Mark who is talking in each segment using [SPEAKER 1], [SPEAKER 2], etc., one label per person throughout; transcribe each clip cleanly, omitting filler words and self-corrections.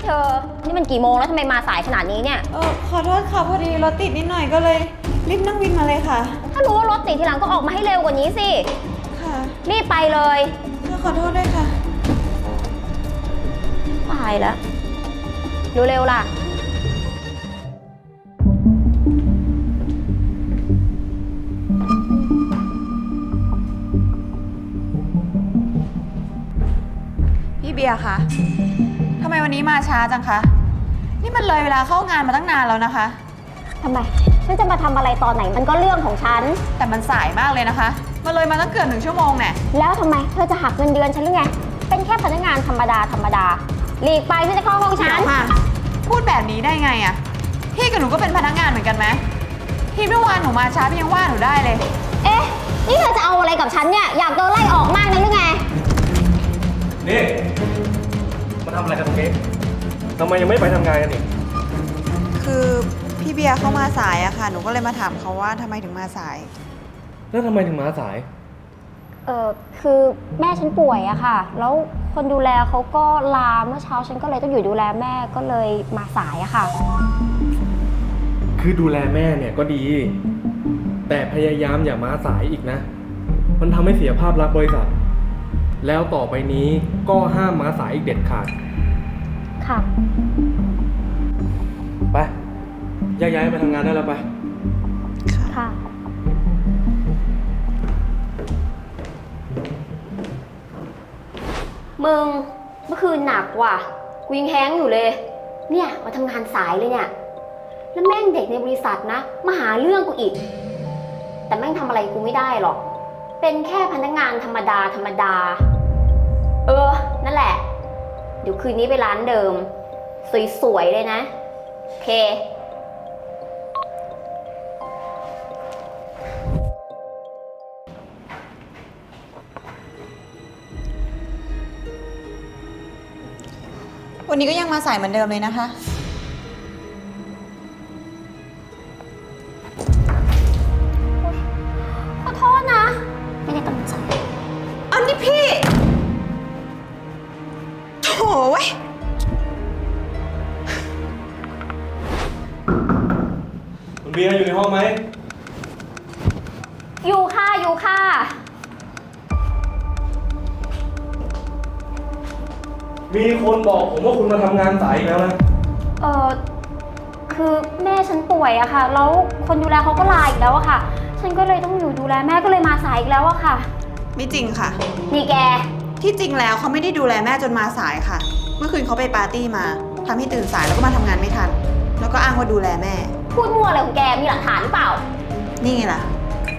[SPEAKER 1] ธอนี่มันกี่โมงแล้วทำไมมาสายขนาดนี้เนี่ย
[SPEAKER 2] ขอโทษค่ะพอดีรถติดนิดหน่อยก็เลยรีบนั่งวินมาเลยค่ะ
[SPEAKER 1] ถ้ารู้ว่ารถติดทีหลังก็ออกมาให้เร็วกว่านี้สิ
[SPEAKER 2] ค่ะ
[SPEAKER 1] รีบไปเลย
[SPEAKER 2] ขอโทษด้วยค่ะ
[SPEAKER 1] ตายแล้วเร็วๆล่ะ
[SPEAKER 2] พี่เบียร์คะทำไมวันนี้มาช้าจังคะนี่มันเลยเวลาเข้างานมาตั้งนานแล้วนะคะ
[SPEAKER 1] ทำไมฉันจะมาทำอะไรตอนไหนมันก็เรื่องของฉัน
[SPEAKER 2] แต่มันสายมากเลยนะคะมาเลยมาตั้งเกือบ1 ชั่วโมงแน่
[SPEAKER 1] แล้วทำไมเธอจะหักเงินเดือนฉันหรือไงเป็นแค่พนักงานธรรมดาหลีกไปฉันจะเข้าห้องฉัน
[SPEAKER 2] พูดแบบนี้ได้ไงอะพี่กับหนูก็เป็นพนักงานเหมือนกันไหมพี่เมื่อวานหนูมาช้าพี่ยังว่าหนูได้เลย
[SPEAKER 1] เอ๊ะนี่เธอจะเอาอะไรกับฉันเนี่ยอยากโดนไล่ออกมากนะหรือไง
[SPEAKER 3] นี่มาทำอะไรกันตรงนี้ทำไมยังไม่ไปทำงานกันอีก
[SPEAKER 2] คือพี่เบียร์เข้ามาสายอะค่ะหนูก็เลยมาถามเขาว่าทำไมถึงมาสาย
[SPEAKER 3] แล้วทำไมถึงมาสาย
[SPEAKER 1] คือแม่ฉันป่วยอะค่ะแล้วคนดูแลเขาก็ลาเมื่อเช้าฉันก็เลยต้องอยู่ดูแลแม่ก็เลยมาสายอะค่ะ
[SPEAKER 3] คือดูแลแม่เนี่ยก็ดีแต่พยายามอย่ามาสายอีกนะมันทำให้เสียภาพลักษณ์บริษัทแล้วต่อไปนี้ก็ห้ามมาสายอีกเด็ดขาด
[SPEAKER 1] ค่ะ
[SPEAKER 3] ไปย้ายไปทำงานได้แล้วไป
[SPEAKER 1] ค่ะมึงเมื่อคืนหนักว่ะกูยังแห้งอยู่เลยเนี่ยมาทำงานสายเลยเนี่ยแล้วแม่งเด็กในบริษัทนะมาหาเรื่องกูอีกแต่แม่งทำอะไรกูไม่ได้หรอกเป็นแค่พนักงานธรรมดานั่นแหละเดี๋ยวคืนนี้ไปร้านเดิมสวยๆเลยนะโอเค
[SPEAKER 2] วันนี้ก็ยังมาสายเหมือนเดิมเลยนะคะ
[SPEAKER 1] ขอโทษนะไม่ได้ตั้งใจ
[SPEAKER 2] อันนี้พี่โถ่เว้ย
[SPEAKER 3] คุณเบียร์อยู่ในห้องไหม
[SPEAKER 1] อยู่ค่ะ
[SPEAKER 3] มีคนบอกผมว่าคุณมาทำงานสายอีกแล้วนะ
[SPEAKER 1] คือแม่ฉันป่วยอะค่ะแล้วคนดูแลเขาก็ลาอีกแล้วอะค่ะฉันก็เลยต้องอยู่ดูแลแม่ก็เลยมาสายอีกแล้วอะค่ะ
[SPEAKER 2] ไม่จริงค่ะ
[SPEAKER 1] นี่แก
[SPEAKER 2] ที่จริงแล้วเขาไม่ได้ดูแลแม่จนมาสายค่ะเมื่อคืนเขาไปปาร์ตี้มาทำให้ตื่นสายแล้วก็มาทำงานไม่ทันแล้วก็อ้างว่าดูแลแม่
[SPEAKER 1] พูดมั่วอะไรของแกมีหลักฐานหรือเปล่า
[SPEAKER 2] นี่ไงล่ะ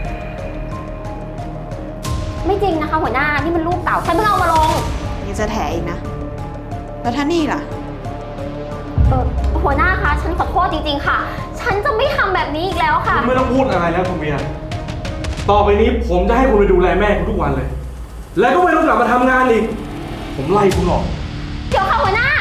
[SPEAKER 1] ไม่จริงนะคะหัวหน้านี่มันรูปเก่าฉันเพิ่งเอามาลง
[SPEAKER 2] ยังจะแถอีกนะแล้วถ้านี่ล่ะ
[SPEAKER 1] หัวหน้าคะฉันขอโทษจริงๆค่ะฉันจะไม่ทำแบบนี้อีกแล้วค่ะ
[SPEAKER 3] ไม่ต้องพูดอะไรแล้วคุณเบียร์ต่อไปนี้ผมจะให้คุณไปดูแลแม่คุณทุกวันเลยแล้วก็ไม่ต้องกลับมาทำงานอีกผมไล่คุณออก
[SPEAKER 1] เดี๋ยวค่ะหัวหน้า